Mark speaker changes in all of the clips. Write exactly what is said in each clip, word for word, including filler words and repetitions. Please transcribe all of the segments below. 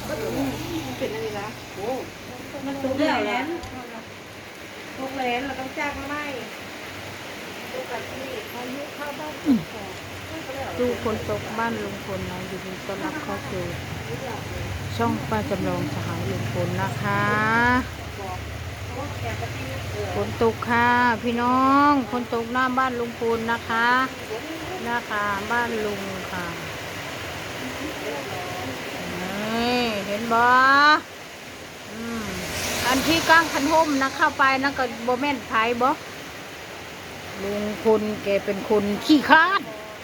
Speaker 1: เป็นอะไรล่ะโอ้มันตุกแหลนตุกแหลนเราต้องจ้างมาไม่ตุกแบบนี้อายุเข้าบ้าน
Speaker 2: ดูคนตกบ้านลุงพลนะยินดีต้อนรับเข้าสู่ช่องป้าจำลองสหายลุงพลนะคะฝนตกค่ะพี่น้องฝนตกหน้าบ้านลุงพลนะคะนะคะบ้านลุงค่ะนี่เห็นบ่อืมอันที่ก้างคันห่มนะเข้าไปนะก็บ่แม่นไผบ่ลุงพลแกเป็นคนขี้คร้าน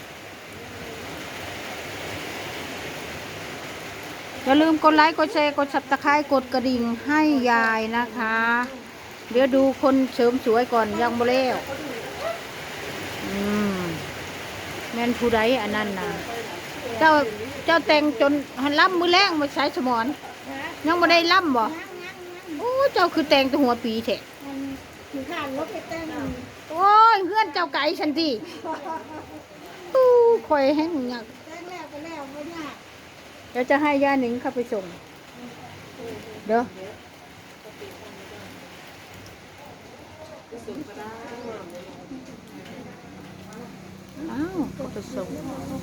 Speaker 2: อย่าลืมกดไลค์กดแชร์กดซับสไครต์กดกระดิ่งให้ยายนะคะเดี๋ยวดูคนเสริมสวยก่อนยังบ่แล้วอืมแม่นผู้ใดอันนั้นน่ะเจ้าเจ้าแต่งจนหันล่ำมือแรงมาใช้สมอนยังบ่ได้ล่ำบ่โอ้เจ้าคือแต่งแต่หัวปีแท้
Speaker 1: ถือข้านรถไปเต้น
Speaker 2: โอ้ยเพื่อนเจ้าไก่ฉันทีตู้คอยให้มึงอยาก
Speaker 1: แต้งแล้วไปแล้วไม่ยาก
Speaker 2: เดี๋ยวจะให้ย่าหนิงเข้าไปส่งเด้ออ้าวเข้าไปส่ง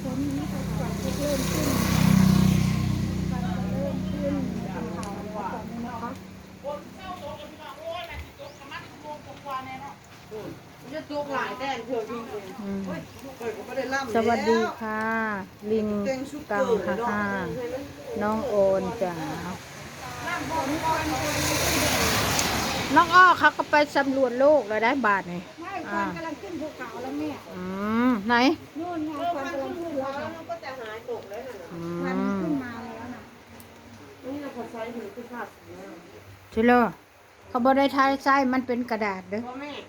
Speaker 2: สวัสดีค่ะ ลิงกังค่ะค่ะน้องโอนจ๋าน้องอ้อเขาก็ไปสำรวจโลกแล้วได้บาทไง
Speaker 1: ไม่คนกำลังขึ้นภูเขาแล้วแม่
Speaker 2: อืมไหน
Speaker 1: นู่นไงคนกำลังขึ้นแล้วก็จะหายตกแล้วนะมันขึ้นมาแล้วนะนี่เราขอใช้ถือคือขาด
Speaker 2: ใช่เลยเขาบอกได้ทายไส้มันเป็นกระดาษเด้อ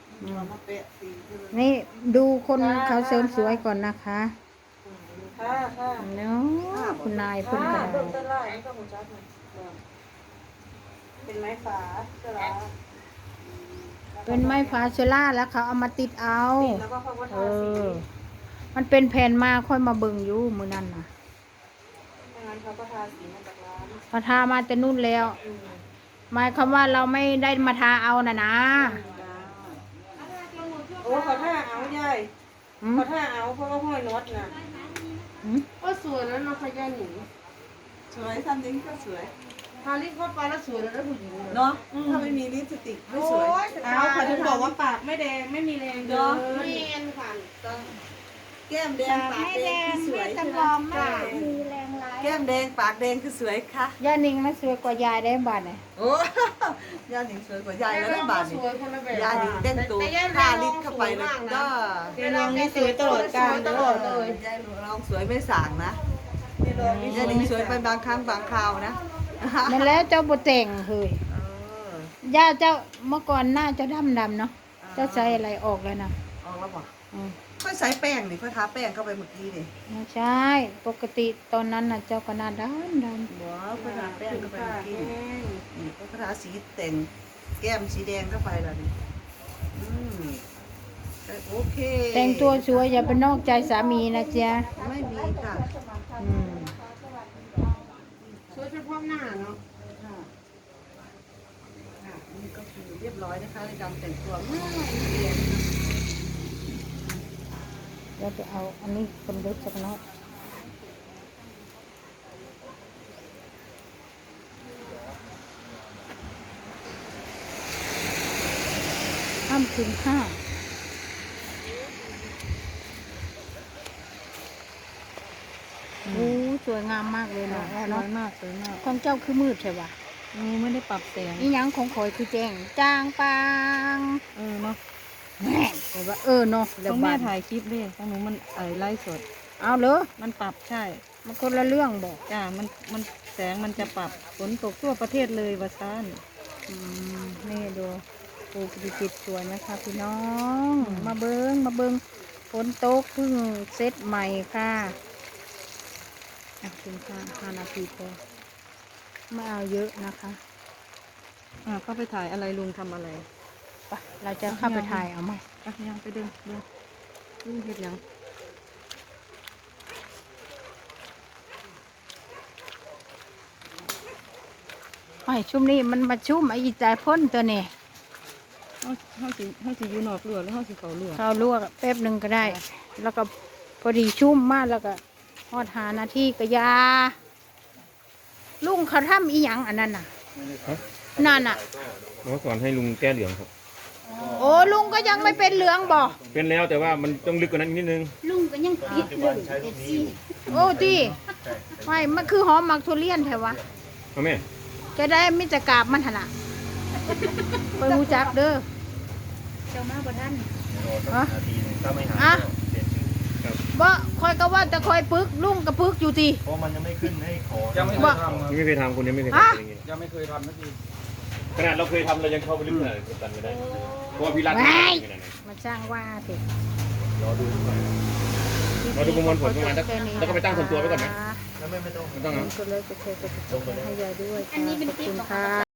Speaker 2: นี่ดูคนเขาเสริมสวยก่อนนะคะ
Speaker 1: ค่ะค่ะ
Speaker 2: เนาะคุณนายเพิ่นกระดาษ
Speaker 1: เป็นไม้ฝาเสลา
Speaker 2: เป็นไม้ฟาเชล่าแล้วเขาเอามาติดเอา
Speaker 1: แล้วก็เขาก็
Speaker 2: เอ
Speaker 1: ทาสี
Speaker 2: อมันเป็นแผ่นมาค่อยมาเบิ่งอยู่มื้อนั้นน่ะ
Speaker 1: งั้นเขาก็ทาสีมาจากร้าน
Speaker 2: มาทามาแต่นู่นแล้วหมายความว่าเราไม่ได้มาทาเอาน่ะนะ
Speaker 1: โอ้เขาท่าเอาใหญ่เขาท่าเอาเพราะว่าห้อยน็อตน่ะก็สวยแล้วเนาะขยันหนู
Speaker 3: สวยทำนี้ก็สวย
Speaker 1: ทาลิปเข้าไปแล้วสวยแล้วผู้หญิง
Speaker 3: เนาะถ้าไม่มีลิปสติกไม่สวย
Speaker 1: เอาเขาถึงบอกว่าปากไม่แดงไม่มีแรงเดินไม่เอ็นค่ะ
Speaker 3: แก้มแดงปากแดงคือสวยใช่ไหม
Speaker 1: มีแรงร้าย
Speaker 3: แก้มแดงปากแดงคือสวยค่ะ
Speaker 2: ย่านิ่งมันสวยกว่ายายได้บาดเนี่ย
Speaker 3: โอ้ย่าหนิงสวยกว่ายายแล้วได้บาทนี่ย่าหนิงเต้นตัว
Speaker 1: ทา
Speaker 3: ทาลิปเข้าไปนะก็
Speaker 1: ยายลองนี่สวยตลอดกาลตลอดเลย
Speaker 3: ยายลองสวยไม่สางนะย่าหนิงสวยไปบางครั้งบางคราวนะ
Speaker 2: นั่นแล้วเจ้าบ่แต่งเฮ้ยย่าเจ้าเมื่อก่อนหน้าเจ้าดำดำเนาะเจ้าใส่อะไรออกแล้วนะ
Speaker 3: ออกแล้วบ่ค่อยใส่แป้งนี่ค่อยทาแป้งเข้าไปเมื่อกี้นี่
Speaker 2: ไม่ใช่ปกติตอนนั้นน่ะเจ้าก็หน้าดำด
Speaker 3: ำบ่ค่อยทาแป้งเข้าไปเมื่อกี้นี่ค่อยทาสีแต่งแก้มสีแดงเข้าไปแล้วนี่อืมโอเค
Speaker 2: แต่งตัวสวยอย่าไปนอกใจสามีนะจ๊ะ
Speaker 3: ไม่มีค่ะ
Speaker 2: อืม
Speaker 1: สวยเฉพาะหน้าเนาะ
Speaker 3: นี่ก็คือเรียบร้อยนะคะในการแต่งตัวง่ายเรียน
Speaker 2: เราจะเอาอันนี้เป็นเล็กสักน้อยห้ามถึงห้าโอ้สวยงามมากเลยนะ
Speaker 3: น้อยมากสวยมาก
Speaker 2: ของเจ้าคือมืดใช่ปะ
Speaker 3: นี่ไม่ได้ปรับแสง
Speaker 2: นี่ยังของข่อยคือแจ้งจางปาง
Speaker 3: เออเนาะ
Speaker 2: แม่แต่ว่าเออเนาะ
Speaker 3: ต้องแม่ถ่ายคลิปด้วยของหนูมันเอ่ยไลฟ์สด
Speaker 2: เอาเหรอ
Speaker 3: มันปรับใช่
Speaker 2: มันคนละเรื่องบอก
Speaker 3: จ้ามันมันแสงมันจะปรับฝนตกทั่วประเทศเลยวะซ่าน
Speaker 2: อืมนี่ดูปูปฏิจิตสวยนะคะพี่น้องมาเบิ้งมาเบิ้งฝนตกเพิ่งเซตใหม่ค่ะอ่ะถึงค่ะห้านาทีพอไม่เอาเยอะนะคะ
Speaker 3: อ่าเข้าไปถ่ายอะไรลุงทำอะไร
Speaker 2: ไปเราจะเข้าไปถ่ายเอาไหม
Speaker 3: อ่ะยังไปเดินเดินลุงเห็ดยัง
Speaker 2: ไอ้ชุ่มนี่มันมาชุ่มไอ้ใจพ่นตัวนี่
Speaker 1: เฮาเฮาสิเฮาสิอยู่นอกรั้วแล้วเฮาสิเข้ารั้ว
Speaker 2: ข้าวลวกแป๊บหนึ่งก็ได้ แล้วก็พอดีชุ่มมากแล้วก็ทอดหานาทีก็ยา ลุงเขาทำอีหยังอันนั้นน่ะ นั่นน่ะ
Speaker 4: เมื่อก่อนให้ลุงแก้เหลืองครับ
Speaker 2: โอ้ลุงก็ยังไม่เป็นเหลืองบ่
Speaker 4: เป็นแล้วแต่ว่ามันต้องลึกกว่านั้นอีกนิดนึง
Speaker 5: ลุงก็ยังปิดเรื่องเอฟซี
Speaker 2: โอ้ตีไม่มันคือหอมหมักทุเรียนแถวะ
Speaker 4: เอาแม่
Speaker 2: จะได้มิจะกราบมันหนละไปหูจักเด้อ
Speaker 5: เจ้ามาบ่ทัน
Speaker 2: ฮะ
Speaker 4: นาทีนึงถ้าไม่หา
Speaker 2: อ่ะ
Speaker 4: เปลี่ยนชื่อครับ
Speaker 2: บ่คอยก็ว่าจะคอยปึกลุงก็ปึกอยู่ตี
Speaker 4: เพราะมันยังไม่ขึ้นให้ขอ
Speaker 6: ยังไม่เค
Speaker 2: บ่
Speaker 6: ยทำครับ
Speaker 4: ไม่เคยทำคนยังไม่เคย
Speaker 2: ฮะ
Speaker 4: ทำอย่างงี้
Speaker 6: ยังไม่เคยทำสักที
Speaker 4: ขนาดเราเคยทำเรายังเข้าไปลึกขนาดนี้ตันไม่ได้เพราะว่าพี่รัตน์
Speaker 2: แหม่
Speaker 4: ขนาดนั้น
Speaker 2: มาจ้างว่าสิ
Speaker 4: รอดูหน่อย เราดูประมวลผลประมาณสักแล้วก็ไปตั้งส่วนตัวไว้ก่อนไหม
Speaker 2: ะ
Speaker 4: แล้วไม่ไม่ต้องไม่ต้องนะ
Speaker 2: กดไลค์กดแชร์กดติดตามให้ยายด้วย
Speaker 5: อันนี้เป็น
Speaker 2: ขอบ
Speaker 5: คลิป
Speaker 2: คุณ
Speaker 5: ของ
Speaker 2: ค่ะ